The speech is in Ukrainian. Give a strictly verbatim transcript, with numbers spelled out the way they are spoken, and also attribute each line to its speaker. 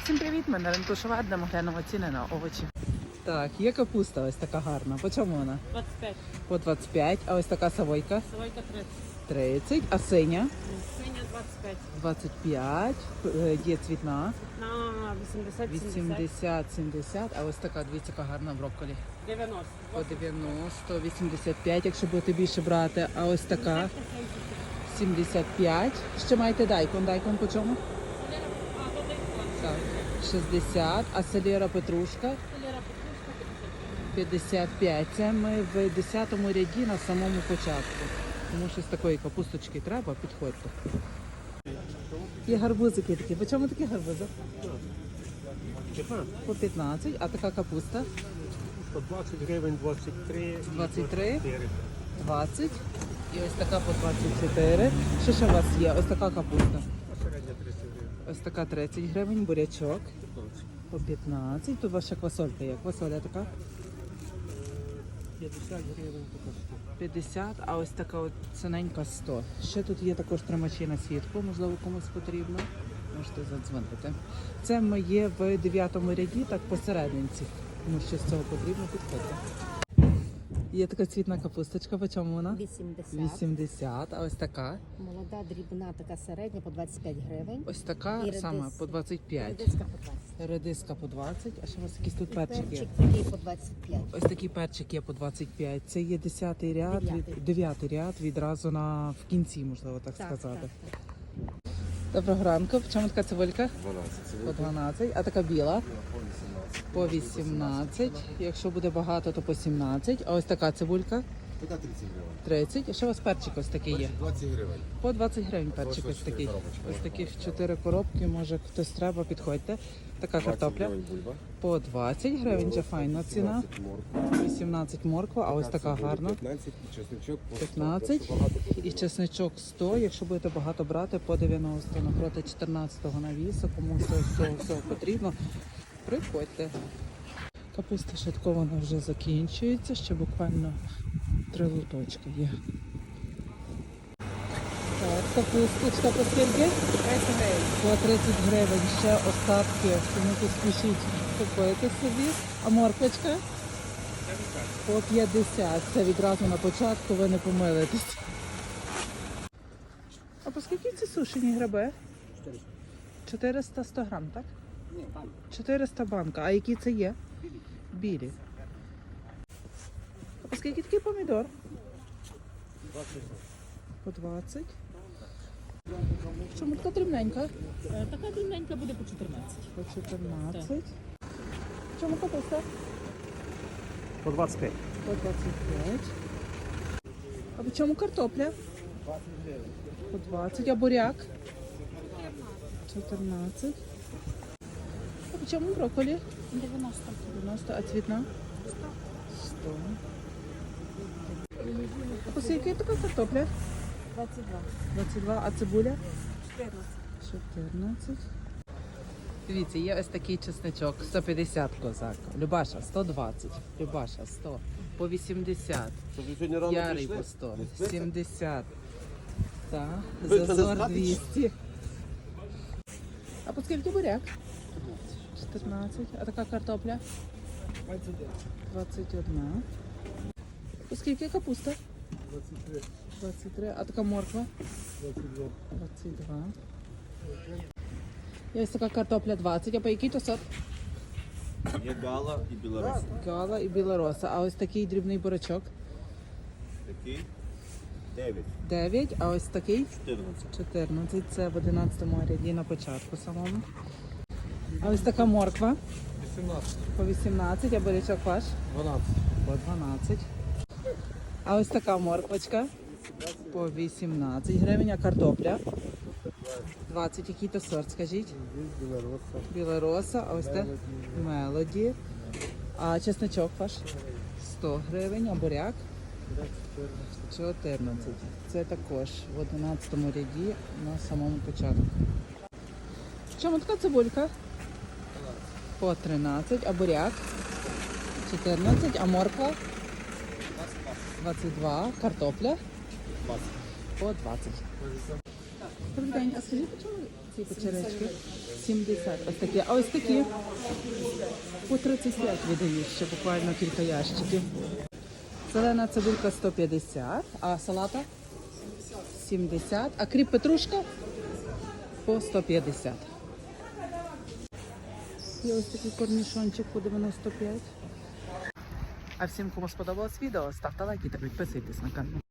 Speaker 1: Всім привіт, ми на ринку Шова, де ми глянемо ціни на овочі. Так, є капуста ось така гарна. По чому вона?
Speaker 2: двадцять п'ять.
Speaker 1: По двадцять п'ять, а ось така савойка?
Speaker 2: Савойка тридцять.
Speaker 1: тридцять, а синя?
Speaker 2: Синя двадцять п'ять.
Speaker 1: двадцять п'ять, е, є цвітна?
Speaker 2: На вісімдесят, сімдесят.
Speaker 1: вісімдесят, сімдесят, а ось така, дивіться, яка гарна брокколі.
Speaker 2: дев'яносто.
Speaker 1: По дев'яносто, вісімдесят п'ять, якщо будете більше брати, а ось така сімдесят п'ять. Ще маєте дайкон, дайкон по чому?
Speaker 2: А, то дайкон.
Speaker 1: Так, шістдесят, а селера петрушка?
Speaker 2: Селера петрушка
Speaker 1: п'ятдесят п'ять. Це ми в десятому ряді на самому початку. Тому що з такої капусточки треба, підходьте. Є гарбузики такі. По чому такі гарбузи? По п'ятнадцять. А така капуста?
Speaker 3: По двадцять гривень, двадцять три.
Speaker 1: двадцять три, двадцять. І ось така по двадцять чотири. Що ще у вас є? Ось така капуста.
Speaker 3: Середня тридцять гривень.
Speaker 1: Ось така тридцять гривень, бурячок. По п'ятнадцять. Тут ваша квасолька є. Квасоля така?
Speaker 3: п'ятдесят гривень така сто.
Speaker 1: п'ятдесят, а ось така от ціненька сто. Ще тут є також тримачі на світло, можливо, комусь потрібно. Можете задзвонити. Це ми є в дев'ятому ряді, так посерединці. Тому що з цього потрібно підходити. Є така цвітна капусточка, по чому вона?
Speaker 4: вісімдесят.
Speaker 1: вісімдесят, а ось така.
Speaker 4: Молода, дрібна, така середня по двадцять п'ять гривень.
Speaker 1: Ось така
Speaker 4: І редис-
Speaker 1: сама по двадцять п'ять.
Speaker 4: Редиска по двадцять.
Speaker 1: Редиска по двадцять, а ще у вас якісь тут перчик є.
Speaker 4: Перчик такий по двадцять п'ять.
Speaker 1: Ось такий перчик є по двадцять п'ять. Це є десятий ряд,
Speaker 4: Дев'ятий.
Speaker 1: від, дев'ятий ряд відразу на в кінці, можливо так,
Speaker 4: Так,
Speaker 1: сказати.
Speaker 4: так, так.
Speaker 1: Доброго ранку. В чому така цибулька?
Speaker 3: дванадцять.
Speaker 1: По дванадцять. А така біла? По вісімнадцять. Якщо буде багато, то по сімнадцять. А ось така цибулька?
Speaker 5: Така тридцять гривень.
Speaker 1: тридцять. І ще у вас перчик ось такий є?
Speaker 5: двадцять гривень.
Speaker 1: По двадцять гривень перчик
Speaker 5: Ось
Speaker 1: ось
Speaker 5: ось
Speaker 1: такий.
Speaker 5: чотири коробочки
Speaker 1: Ось
Speaker 5: можна
Speaker 1: таких
Speaker 5: брати.
Speaker 1: чотири коробки, може хтось треба, підходьте. Така картопля.
Speaker 5: двадцять гривень бульба.
Speaker 1: По двадцять гривень, вже файна ціна.
Speaker 5: вісімнадцять морква.
Speaker 1: вісімнадцять морква, а ось така
Speaker 5: цибуля
Speaker 1: гарна.
Speaker 5: п'ятнадцять і чесничок по сто.
Speaker 1: п'ятнадцять.
Speaker 5: Просто багато
Speaker 1: І
Speaker 5: потрібно.
Speaker 1: чесничок сто, якщо будете багато брати, по дев'яносто. Напроти чотирнадцятого навісу, кому всього, всього, всього потрібно, приходьте. Капуста шаткована вже закінчується, ще буквально три луточки є. Так, капусточка по скільки?
Speaker 2: тридцять гривень.
Speaker 1: По тридцять гривень, ще остатки, тому поспішіть купити собі. А морквочка? По п'ятдесят. Це відразу на початку, ви не помилитесь. А по скільки ці сушені гриби? чотириста сто грам, так?
Speaker 3: Ні, банк.
Speaker 1: чотириста банка. А які це є? Білі. А по скільки такий помідор?
Speaker 3: двадцять.
Speaker 1: По двадцять. Чому така дрібненька?
Speaker 2: Е, Така дрібненька буде по чотирнадцять.
Speaker 1: По чотирнадцять. Чому капуста?
Speaker 3: По двадцять п'ять.
Speaker 1: По двадцять п'ять. А по чому картопля? По двадцять. А буряк? чотирнадцять. А по чому брокколі?
Speaker 2: дев'яносто.
Speaker 1: дев'яносто. А цвітна? сто. А по скільки така картопля?
Speaker 4: двадцять два.
Speaker 1: двадцять два. А цибуля?
Speaker 4: чотирнадцять.
Speaker 1: чотирнадцять. Дивіться, є ось такий чесничок, сто п'ятдесят козак. Любаша, сто двадцять. Любаша, сто. По вісімдесят.
Speaker 5: Що, ви сьогодні рано
Speaker 1: Ярий
Speaker 5: прийшли?
Speaker 1: по сто.
Speaker 5: Не спите?
Speaker 1: сімдесят. Так,
Speaker 5: Ви це
Speaker 1: зазор
Speaker 5: знаєте?
Speaker 1: двісті. А по скільки буряк? чотирнадцять. А така картопля? двадцять одна. По скільки капуста?
Speaker 3: двадцять три.
Speaker 1: двадцять три. А така морква?
Speaker 3: двадцять два.
Speaker 1: двадцять два. І ось така картопля двадцять. А по який то сорт?
Speaker 5: Є гала і білорус.
Speaker 1: Гала і білороса. А ось такий дрібний бурячок?
Speaker 5: Такий дев'ять.
Speaker 1: дев'ять. А ось такий?
Speaker 5: чотирнадцять.
Speaker 1: чотирнадцять. Це в одинадцятому ряді на початку самому. А ось така морква?
Speaker 3: вісімнадцять.
Speaker 1: По вісімнадцять. А бурячок ваш?
Speaker 3: дванадцять.
Speaker 1: По дванадцять. А ось така морквочка? По вісімнадцять гривень. А картопля? двадцять. Який то сорт, скажіть?
Speaker 3: Білороса.
Speaker 1: Білороса. А ось те? Мелоді. А чесночок ваш? сто гривень. А буряк? чотирнадцять. Це також в одинадцятому ряді на самому початку. Чому така цибулька? По тринадцять. А буряк? чотирнадцять. А морква? двадцять два. Картопля? По двадцять. Добрий день, а скажіть, по чому ці печеречки? сімдесят. Ось такі. А ось такі? По тридцять п'ять віддають ще буквально кілька ящиків. Зелена цибулька сто п'ятдесят, а салата? сімдесят. А кріп петрушка? По сто п'ятдесят. Є ось такий корнішончик по дев'яносто п'ять. А всім, кому сподобалось відео, ставте лайки та підписуйтесь на канал.